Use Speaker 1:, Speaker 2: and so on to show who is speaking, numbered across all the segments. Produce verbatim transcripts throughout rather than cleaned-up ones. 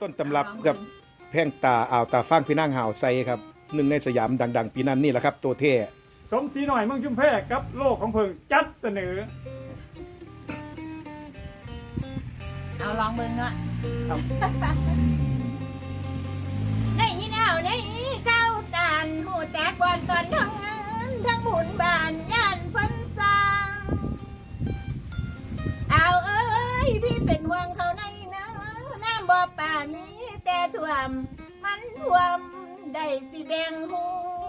Speaker 1: ต้นตำรับกับแพงตาอ่าวตาฟางพี่นางห่าวไซครับหนึ่งในสยามดังๆปีนั้นนี่แหละครับตัวเท่
Speaker 2: สมศรีหน่อยเมืองชุมแพกับโลกของเพิงจัดเสนอ
Speaker 3: เอาลองเบิ่งเนาะ
Speaker 2: ครับ
Speaker 3: ในยี่หนาวในอีเก้าตานหูจากวันตอนทั้งงานทั้งบุญบานย่านเพ้นสร้างเอาเอ้ยพี่เป็นห่วงเขาในน้ำน้ำบ่อป่านี้แต่ท่วมมันท่วมได้สิแบ่งหู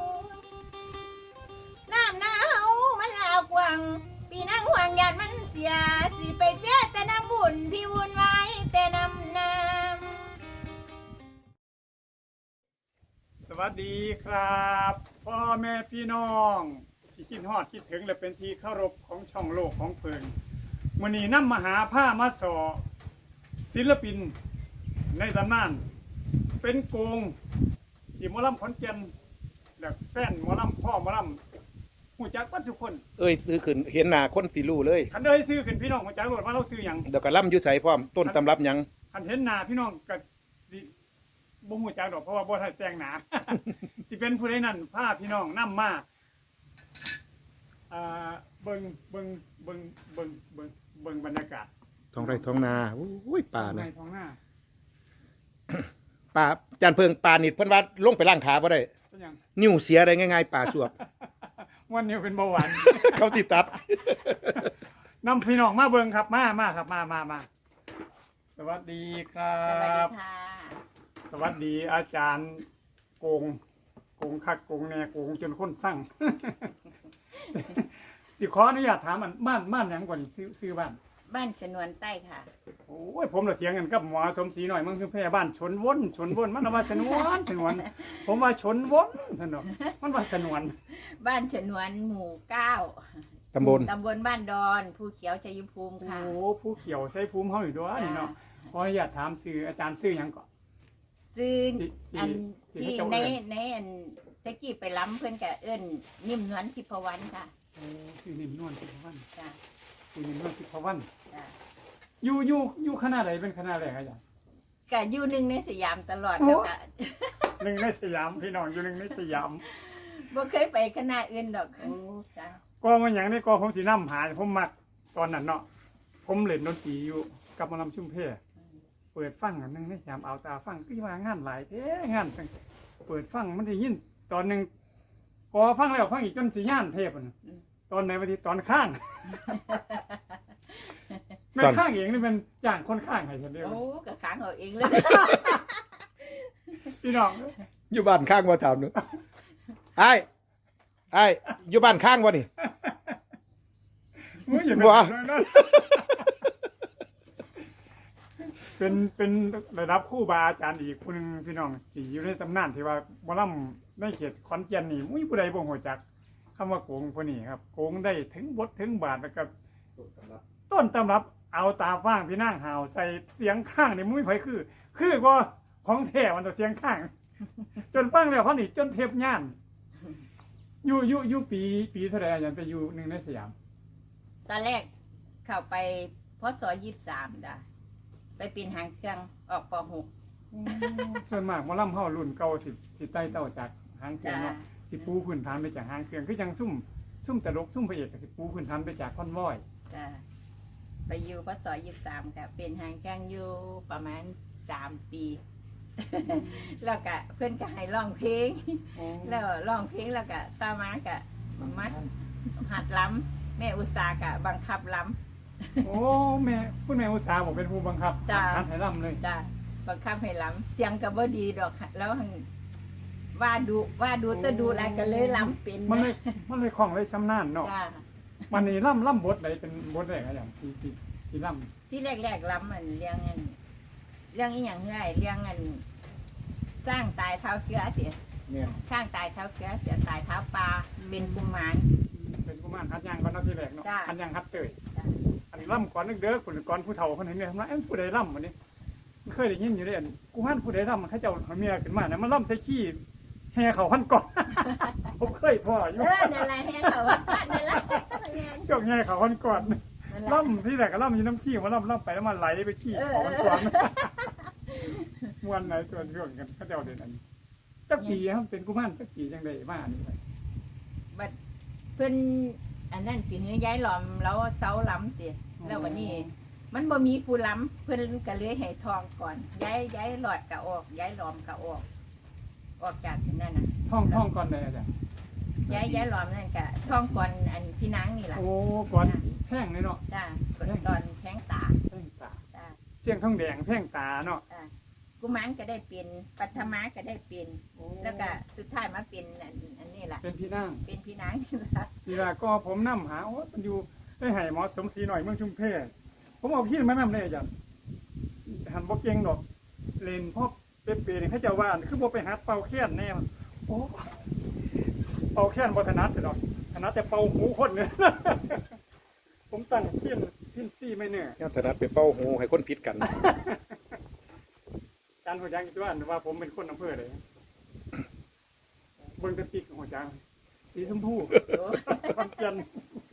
Speaker 3: น้ำหนาวมันลาวกวังปีนั่งห่วงยานมันเสียสิไปเปี้ยแต่น้ำบุญพี่วุ่นไว้แต่น้ำน้ำ
Speaker 2: สวัสดีครับพ่อแม่พี่น้องที่คิดฮอดคิดถึงและเป็นที่เคารพของช่องโลกของเพิงมื้อนี้นำมาหาผ้ามาสอศิลปินในตำนานเป็นโกงที่หมอลำขอนแก่นและแฟนหมอลำพ่อหมอลำหูจักปันทุกคน
Speaker 1: เอ้ยซื้อขึ้นเห็นหน้าคนสิรู้เลย
Speaker 2: คันได้ซื้อขึ้นพี่น้องหูจักโลดว่าเราซื้อหยัง
Speaker 1: เดี๋ยวก็ล่ำอยู่ไสพร้อมต้นตำรับหยัง
Speaker 2: คันเห็นหน้าพี่น้องก็สิบ่ฮู้จักดอกเพราะว่าบ่ทันแต่งหน้า สิเป็นผู้ใดนั่นพาพี่น้องนำมาอ่าเบิ่งเบิ่งเบิ่งเบิ่งเบิ่งเบิ่งบรรยากาศ
Speaker 1: ท้องไร่ท้องนาอุ้ยป่า
Speaker 2: ใน
Speaker 1: นะ
Speaker 2: ท้องหน้า
Speaker 1: ป่าจานเพิงป่านิดเพิ่นว่าลงไปล้างขาบ่ได้
Speaker 2: เป็นหยัง
Speaker 1: นิ้วเสียได้ง่ายๆป่าสวบ
Speaker 2: วันนี้เป็นเบาหวาน
Speaker 1: เขาติดตัด
Speaker 2: นำพี่น้องมาเบิ่งครับมามาครับมามามาสวัสดีครั
Speaker 3: สวัสดี
Speaker 2: บ
Speaker 3: ค่ะ
Speaker 2: สวัสดีอาจารย์โกงโกงคักโกงแน่โกงจนคนสั่ง สิขออนุญาตถามอันบ้านบ้านหยังก่อนนี่ซื้อซื้อบ้าน
Speaker 3: บ้านชนวนใต้ค่ะ
Speaker 2: โอ้ยผมละเถียงกันกับหมอสมศรีหน่อยมันคือแพร่บ้านชนวนชนวนมันเอาว่าชนวนชนวน ผมว่าชนวนสนุกมันว่าชนวน
Speaker 3: บ้านชนวนหมู่เก้า
Speaker 1: ตำบล
Speaker 3: ตำบลบ้านดอนภูเขียวชัยภูมิ
Speaker 2: โอ้
Speaker 3: ค่ะ
Speaker 2: ผู้เขียวใช้ภูมิเขาอยู่ด้วยนี่เนาะขออนุญาตถามซื้ออาจารย์ซื้อหยังก่อน
Speaker 3: ซึ่ง
Speaker 2: ที่
Speaker 3: อัน
Speaker 2: ที่
Speaker 3: ที่
Speaker 2: ที่
Speaker 3: ใน
Speaker 2: เจ้าเอิ้น
Speaker 3: ในอันตะกี้ไปล้ำเพื่อนกับเอิ้นนิ่มนวลทิพวรรณค่ะ
Speaker 2: โอ้ซื้อนิ่มนวลทิพวัน
Speaker 3: จ้ะ
Speaker 2: ซื้อนิ่มนวลทิพวัน
Speaker 3: จ้ะ
Speaker 2: อยู่อยู่อยู่คณะไหนเป็นคณะแรกอาจารย์
Speaker 3: ก็อยู่หนึ่งในสยามตลอด
Speaker 2: โอ้
Speaker 3: แล้วก็
Speaker 2: หนึ่งในสยามพี่น้องอยู่หนึ่งในสยาม
Speaker 3: บ่เคยไปคณะอื่นดอกจ้ะ
Speaker 2: ก็มันอย่างนี้ก็ผมสีน้ำหาผมมักตอนนั้นเนาะผมเล่นดนตรีอยู่กับหมอลำชุมเพเปิดฟังอันหนึงในสยามเอาตาฟังก็ว่างานหลายแท้งานจังเปิดฟังมันได้ยินตอนหนึ่งก็ฟังแล้วฟังอีกจนสีย่านเทพอะนะตอนไหนวันที่ตอนข้างแม่ข้างเองนี่เป็นจ้างคนข้างให้ฉันเดียว
Speaker 3: โอ้ก็ค้างเอาเองเลย
Speaker 2: พี่น้อง
Speaker 1: อยู่บ้านข้างบ่ถามหนูไอ้ไอ้อยู่บ้านข้างบ่นี่
Speaker 2: มึงอย่า
Speaker 1: ว้า
Speaker 2: เป็นนั้นเป็นเป็นระดับครู่บาอาจารย์อีกคนหนึ่งพี่น้องที่อยู่ในตำนานที่ว่าหมอลำในเขตขอนแก่นนี่มุ้ยผู้ใดบ่หัวจักคำว่าโกงพวกนี้ครับโกงได้ถึงบทถึงบาทแล้วก็ต้นตำรับเอาตาฟ้างพี่นางหาวใส่เสียงข้างนี่มุ้ยไผคือ คือว่าของแท้มันต้องเสียงข้าง จนฟังแล้วเขานี่จนเทปย่านอยู่อยู่อยู่ปีปีเท่าไหร่อาจารย์ไปอยู่หนึ่งในสยาม
Speaker 3: ตอนแรกเข้าไปพศยี่สิบสามจ้ะไปปีนหางเครื่องออกปหก
Speaker 2: ส่วนมากหมอลำเฮารุ่นเก่าสิสิใต้เต้าจากหางเครื่อง
Speaker 3: จ้ะ
Speaker 2: เนาะสิปูพื้นฐานไปจากหางเครื่องคือจังซุ่มซุ่มตลกซุ่มพระเอกก็สิปูพื้นฐานไปจากคอนวอย
Speaker 3: จ้ะไปอยู่พศยี่สิบสามค่ะเป็นหางเครื่องอยู่ประมาณสามปี แล้วก็เพื่อนก็ให้ร้องเพลง แล้วร้องเพลงแล้วก็ตามากะมาหัดล้ำแม่อุตสาหกะบังคับล้
Speaker 2: โอ้แม่คุณแม่อุตสาหบอกเป็นผู้บังคับ
Speaker 3: จ้ะ
Speaker 2: หัดให้ร่ำเลย
Speaker 3: ำจ้ะบังคับให้ล้ำเสียงก็บ่ดีดอกค่ะแล้วหั่นว่าดูว่าดูแตะดูอะไรก็เลยล้ำเป็น
Speaker 2: มันเลยมันเลยคล่องเลยชำนาญเนาะ
Speaker 3: จ้ะ
Speaker 2: มันนี่ล่ำล่ำบทไหนเป็นบทแรกอะไรอย่างที่ที่ที่ล่
Speaker 3: ที่แรกๆล้ำมันเรื่องอันเรื่องอีหยังเงยเรื่องอันสร้างตายเท้าเกลือเสีย
Speaker 2: ำเนี่ย
Speaker 3: สร้างตายเท้าเกลือเสียตายเท้าปลาเป็นกุมาร
Speaker 2: เป็นกุมารฮัดยางก่อนเนาะที่แรกเนาะ
Speaker 3: จ้ะ
Speaker 2: ฮัดยางฮัดเตย
Speaker 3: จ้ะ
Speaker 2: อันล่ำก่อนนึกเด้อคนก่อนผู้เฒ่าคนเห็นเนี่ยทำไมเอ้ยผู้ใดล่ำวันนี้มันเคยได้ยินอยู่เลยอันกูฮั่นผู้ใดล่ำมันเขาเจ้าเอาเมียขึ้นมาเนี่ยมันล่ำใส่ขี้แห่เขาพันก่อน ผมเคยพ่ออยู่
Speaker 3: เออนั่นแหละให้เขาว่ากันนั่นแหละ
Speaker 2: ช่วงแห่เขาพันก่อน
Speaker 3: นั่นแหละ
Speaker 2: ล่ำที่แรกก็ล่ำอยู่น้ำขี้มาล่ำล่ำไปแล้วมันไหลไปขี้เขาพันก่อน มวนวันไหนตัวเรื่องกันเขาเจ้าเด่นอันนี้จักปีครับเป็นกุมารจักปีจังไดมาอันนี้ไป
Speaker 3: บัดเพิ่นอันนั้นสิเนื้อย้ายหลอมแล้วเสาล้ำติแล้ววันนี้ มันบ่มีผู้ล้ำเพิ่นก็เลยให้ทองก่อนย้ายย้ายหลอดก็ออกย้ายหลอมก็ออก ออกจากที่นั่นน่ะ
Speaker 2: ท่องท่องก่อนเลยอาจารย์
Speaker 3: ย้ายย้ายหลอมนั่นก็ทองก่อนอันพี่นางนี่ล่ะ
Speaker 2: โอ้ก่อนแพ่งเลยเนาะ
Speaker 3: จ้าตอนแข้งตา
Speaker 2: แพ่งตา
Speaker 3: จ้า
Speaker 2: เสียงทองแดงแพ่งตาเนาะ
Speaker 3: กุมารก็ได้เป็นปัทมาก็ได้เป็นแล้วก็สุดท้ายมาเป็นอันอันนี้ล่ะ
Speaker 2: เป็นพี่นาง
Speaker 3: เป็นพี่นางนี่ล่ะ
Speaker 2: ทีละก็ผมนำหาโอ้มันอยู่ได้ให้หมอสมศรีหน่อยเมืองชุมเพชผมเอาพี่มานำเลยอาจารย์หันบ่เก่งดอกเล่นพ่อเป๊ะๆนี่เขาเจ้าว่าคือบ่ไปหัดเป่าแค้นแน่โอ้เป่าแค้นบ่ถนัดสิดอกถนัดแต่เป่าหูคนเนี่ย ผมตั้งเขียนพินซี่ไม่เนื้อ
Speaker 1: เนี่ยถนัดไปเป้าหูให้คนผิดกัน
Speaker 2: การหัวจังคิดว่าว่าผมเป็นคนอำเภอเลยเบิ่งแตะปิกหัวจังสีชมพู
Speaker 3: โอ้
Speaker 2: ความจันทร์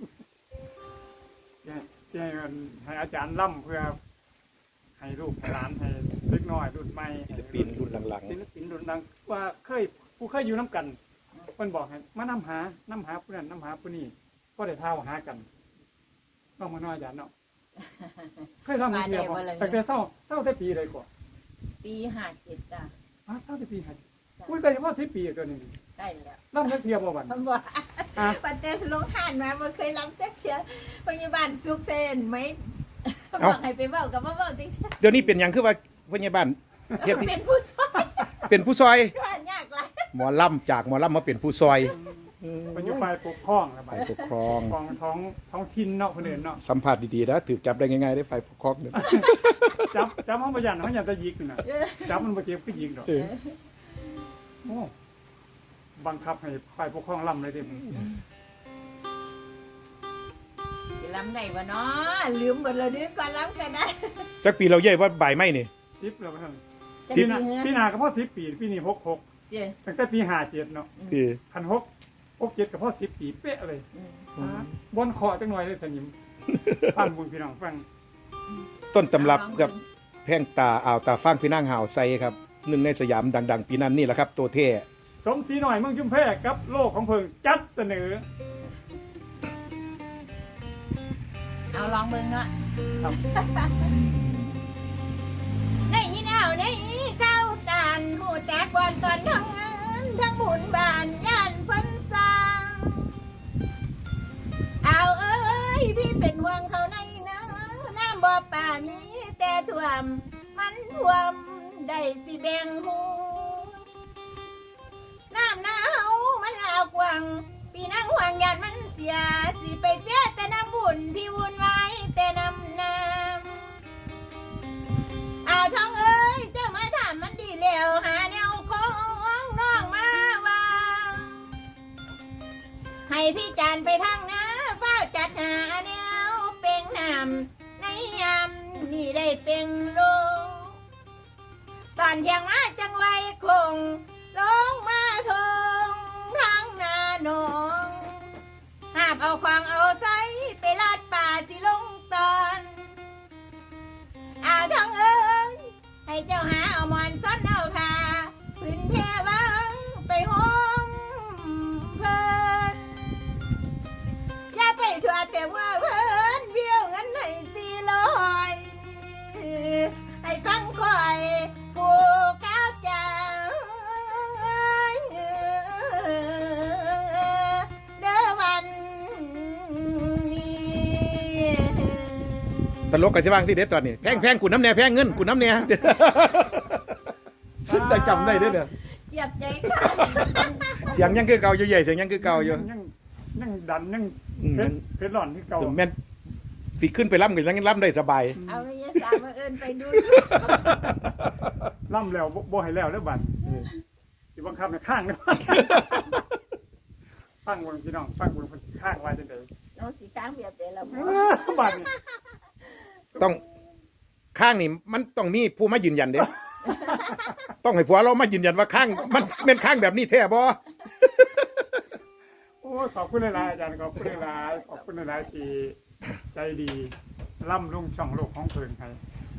Speaker 2: ที่ให้ให้อาจารย์ล่ำเพื่อ ให้ลูกให้หลานให้เล็กน้อยรุ่นใหม่
Speaker 1: ศิลปินรุ่นหลัง
Speaker 2: ศิลปินรุ่นหลังว่าเคยผู้เคยอยู่น้ำกันเพิ่นบอกให้มานำหานำหาผู้นั้นนำหาผู้นี้ก็ได้เท่าหากันต้องมาน้อยอาจารย์เนาะเคยทำเดียวบ่แต่แต่เศร้าเศร้าแต่ปีเลยกว่า
Speaker 3: ปีห้าเจ็ดจ้ะ
Speaker 2: อ้าวเศร้าแต่ปีหัดอุ้ยแต่เฉพาะสิบปีตัวนี้
Speaker 3: ได้แล้ว
Speaker 2: ล่ำได้เทียบบ่วัน
Speaker 3: ผมบอก
Speaker 2: อ่ะ
Speaker 3: ปัตเตสลงทานมาบ่เคยรับแต่เทียพยาบาลสุกเซนไหมบอกให้ไปเว้ากับบ่เว้าจริง
Speaker 1: ๆเดี๋ยวนี้เป็นหยังคือว่าพยาบาลเฮ็ด
Speaker 3: ๆ
Speaker 1: นี่
Speaker 3: เป็นผู้ซอย
Speaker 1: เป็นผู้ซอย
Speaker 3: ว่ายากหลาย
Speaker 1: หมอล่ำจากหมอล่ำมาเป็นผู้ซอย
Speaker 2: เป็นอยู่ฝ่ายปกครองนะ
Speaker 1: ฝ่า
Speaker 2: บ่าย ย
Speaker 1: ปกครอง
Speaker 2: ของท้องท้องถิ่นเนาะคนอื่นเนาะ
Speaker 1: สัมผัสดีๆนะถือจับได้ง่ายๆได้ฝ่ายปกครองเนี่ย
Speaker 2: จับจับห้องประหยัดห้องยันตะยิกน่ะ
Speaker 3: เออ
Speaker 2: จับมันบ่เจ็บก็ยิงดอก
Speaker 1: เออ
Speaker 2: โอ้บังคับให้ฝ่ายปกครองล่ำเลยเด้
Speaker 3: สิล้ำได้บ่เนาะลืมเบิดแล้วเด้อก่อนล้ำกันได้
Speaker 1: จักปีเราเย่ว่าบ่ายไหมนี่
Speaker 2: สิบแล้วท่าน
Speaker 3: สิ
Speaker 2: ปี
Speaker 3: บ
Speaker 2: หน้าปีหน้าก็พอสิบปีปีนี้หกหก
Speaker 3: เด้อ
Speaker 2: ตั้งแต่ปีห้าเจ็ดเนาะ
Speaker 1: คือ
Speaker 2: พันหกหกเจ็ดก็พอสิบปีเป๊ะเลย
Speaker 3: อืม
Speaker 2: บนคอจังหน่อยเลยสนิมฟังบุญพี่น้องฟัง
Speaker 1: ต้นตำรับกับแพ่งตาอ่าวตาฟังพี่นางหาวไซครับหนึ่งในสยามดัง ๆ ปีนั้นนี่แหละครับ ตัวเท่
Speaker 2: สมศรีหน่อยเมืองชุมแพกับโลกของเพิงจัดเสนอ
Speaker 3: เอาลองเบิ่งเนาะ
Speaker 2: ครับ
Speaker 3: ในยี่นาวในยี่เก้าตานหูแตกก่อนตอนทำงานทั้งบุญบานย่านเพ้นสร้างเอาเอ้ยพี่เป็นห่วงเขาในนะน้ำบ่อป่ามีแต่ท่วมมันท่วมได้สิแบ่งหูน้ำหนาวมันลาวกวังปีนั่งห่วงยานมันเสียสิไปเฟียแต่น้ำบุญพี่วุ่นไว้แต่น้ำน้ำเอาท้องเอ้ยเจ้ามาถามมันดีแล้วหาแนวของน้องมาวางให้พี่จานไปทางนะเฝ้าจัดหาแนวเป็งน้ำในยามนี่ได้เป็งโลตอนเที่ยงมาจังไว้คงลงมาทงทางนาหนองหาบเอาควางเอาใสไปลาดป่าสิลงตอนอาทั้งเอิญให้เจ้าหาเอาหมอนซ้อนเอาผ้าพื้นแพรวางไปห้องเพลินอย่าไปถั่วแต่ว่าเพลินเบี้ยวเงินให้สี่ร้อยให้ฟังคอยผู้ก้าวใจเด้อวันนี้
Speaker 1: ตลกกันที่บ้างที่เด็ดตอนนี้แพงแพงกูน้ำแน่แพงเงินกูน้ำแน่ ได้จำได้เด้อเนี่ย
Speaker 3: เหยียบใจค่ะ
Speaker 1: เสียงยังคือเก่าอยู่ใหญ่เสียงยังคือเก่าอยู่
Speaker 2: ยังยังดันยัง
Speaker 1: อืม
Speaker 2: เพชรเพชรหล่อนที่เก่า
Speaker 1: แม่นสิขึ้นไปล่ำกันยังล่ำได้สบาย
Speaker 3: เอาไม่ยสามาเอินไปดู
Speaker 2: ล่ำแล้วบ่บ่ให้แล้วแล้วบัดสิบังคับในข้างเด้อ ฟังเบิ่งพี่น้องฟังเบิ่งเพิ่นสิข้างไว้จังได๋
Speaker 3: น้องสีค้างเบียบเดี๋ยวเรา
Speaker 2: บัดนี้
Speaker 1: ต้องข้างนี่มันต้องมีผู้มายืนยันเด้ ต้องให้ผัวเรามายืนยันว่าข้างมันเป็นข้างแบบนี้แท้บ่
Speaker 2: โอ้ยขอบคุณหลายๆอาจารย์ขอบคุณหลายๆขอบคุณหลายๆที่ใจดีล่ำลงช่องโลกของเพิ่นให้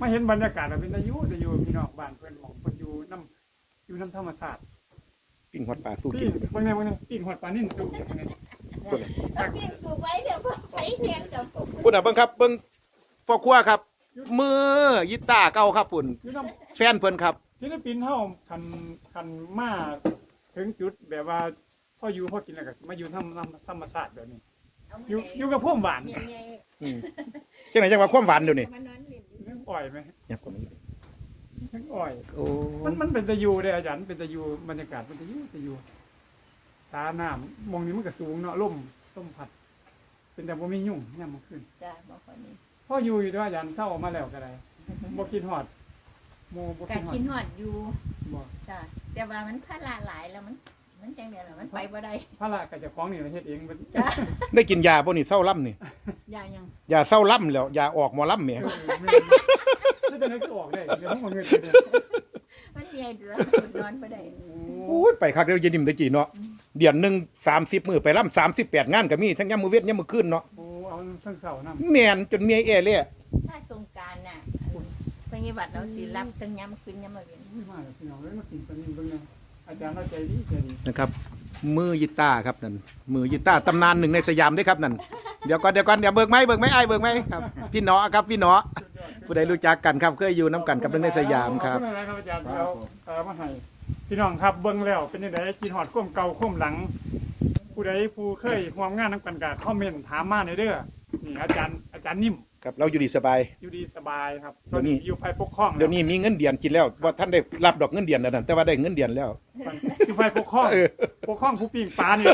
Speaker 2: มาเห็นบรรยากาศแล้วเป็นตะยุตะยุพี่น้องบ้านเพิ่นหมองเพิ่นอยู่น้ำอยู่น้ำธรรมชาติ
Speaker 1: ปิ้งฮอดปลาสู้
Speaker 2: ปิ้
Speaker 1: กิ
Speaker 2: ง
Speaker 1: นอยู่
Speaker 2: บางแนวบางแนวปิ้งหอดปลานิ่นสู้บางแนว
Speaker 3: เอาปิ้งสูบไว้เดี๋ยวก็ไฟเทียนกับผม
Speaker 1: พุ่นน่ะเบิ่งครับเบิ่งพ่อครัวครับ มือยิตาร์เก่าครับพุ่น
Speaker 2: อยู่น้
Speaker 1: แฟนเพิ่นครับ
Speaker 2: ำศิลปินเฮาคันคันมาถึงจุดแบบว่าพ่ออยู่พ่อกินแล้วก็มาอยู่ธรรมธรรมชาติแบบนี้ อยู่อยู่กับพวกหวาน
Speaker 3: เนี่ยเนี่ย
Speaker 1: อืมจังไหนจังว่าความหวานเดี๋ยวนี้
Speaker 3: มานอนเล่นอยู่
Speaker 2: เรื่องอ่อยไหม
Speaker 1: ยับกว่านี้
Speaker 2: เรื่องอ่อย
Speaker 1: โอ้
Speaker 2: มันมันเป็นตะยูเด้อาจารย์เป็นตะยูบรรยากาศเป็นตะยูตะยูสาน้ำมองนี้มันก็สูงเนาะลมลมพัด เป็นแต่บ่มียุ่งยามมื้อคืน
Speaker 3: จ้าบอกคนนี้
Speaker 2: พ่ออยู่อยู่ด้วยอาจารย์เศร้าออกมาแล้วก็ได้บ่คิดฮอดโมบ่
Speaker 3: กา
Speaker 2: คิดฮอ
Speaker 3: คิ
Speaker 2: ด
Speaker 3: นหอดอยู่
Speaker 2: บ่
Speaker 3: จ้าแต่ว่ามันพลาหลายแล้วมัน มันจังเดียวมันไปบ่ได้
Speaker 2: พระละก็เจะของนี่เฮ็ดเองมัน
Speaker 3: จ้า
Speaker 1: ได้กินยาบ่นี่เศร้าล่ำนี่
Speaker 3: ยายัง
Speaker 1: ยาเศร้าล่ำแล้วยาออกหมอล่ำแหม
Speaker 2: เออแม่นแล้วจะนึกออกได้เดี๋ยวผมเอาเงินไปเนี่ย
Speaker 3: มันมีไอ้เดือดนอนบ่ได้
Speaker 1: โอ้ยไปคักเดี๋ยวเย็นนิ่มตะกี้เนาะเดือนหนึงสามสิบมื้อไปล่ำสามสิบแปดงานก็มีทั้งยามมื้อเวทยามมื้อคืนเนาะ
Speaker 2: โอ้เอาทั้งเสาร์นำ
Speaker 1: แม่นจนเมียแอเลย
Speaker 3: ถ้าสงกรานต์น่ะพยาบาลเราสิรับทั้งย้ำขึ้นย้ำมาเวียน
Speaker 2: อุ้ยมาแล้วพี่น้องเอ้ยมากินปลานิ่มเบิ่งแน่อาจารย์เราใจดีใจดี
Speaker 1: นะครับ มือยิตาร์ครับนั่นมือยิตาร์ตำนานหนึ่งในสยามเด้อครับนั่นเดี๋ยวก่อนเดี๋ยวก่อนเดี๋ยวเบิกไหมเบิกไหมไอ้ายเบิกไหมครับพี่เนาะครับพี่เนาะผู้ใดรู้จักกันครับเคยอยู่น้ำกันกับหนึ่งในสยามครับ
Speaker 2: ขอบคุณอะไรครับอาจารย์ที่เอาเอ่อมาให้พี่น้องครับเบิ่งแล้วเป็นยังไงคิดฮอดความเก่าความหลัง ผู้ใดผู้เคยร่วมงานนํกันก็คอมเมนต์ถามมาในอยเด้อนี่อาจารย์อาจารย์นิ่ม
Speaker 1: ครับเราอยู่ดีสบาย
Speaker 2: อยู่ดีสบายครับ
Speaker 1: เดี๋ยวนี้
Speaker 2: อยู่ฝ่ายปกครอง
Speaker 1: เดี๋ยวนี้มีเงินเดือนกินแล้วว่าท่านได้รับดอกเงินเดือนแล้วนั่นแต่ว่าได้เงินเดือนแล้ว
Speaker 2: อยู่ฝ่ายปกครอง
Speaker 1: เออ
Speaker 2: ปกครองผู้ปิ้งปลานี่ไว้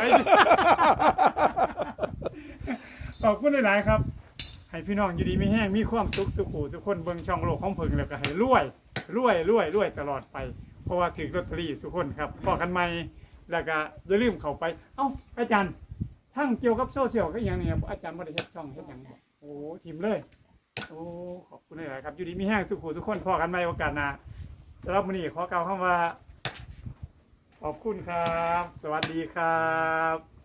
Speaker 2: ขอบคุณหลายๆครับ ให้พี่น้องอยู่ดีมีแห้งมีความสุขสุขหูทุกคนเบิ่งช่องโลกของเพิ่งแล้วก็ให้รวยรวยรวยรวยตลอดไป เพราะว่าถือลอตเตอรี่ทุกคนครับพอกันใหม่แล้วก็อย่าลืมเข้าไป เอ้าอาจารย์ทั้งเกี่ยวกับโซเชียลก็อย่างนี้อาจารย์บ่ได้เฮ็ดช่องเฮ็ดหยังบ่โอ้ทีมเลย โอ้ขอบคุณหลายๆครับอยู่ดีมีแห้งสุขหูทุกคนพอกันใหม่โอกาสหน้าสำหรับมื้อนี้ขอกล่าวคำว่า ขอบคุณครับ สวัสดีครับ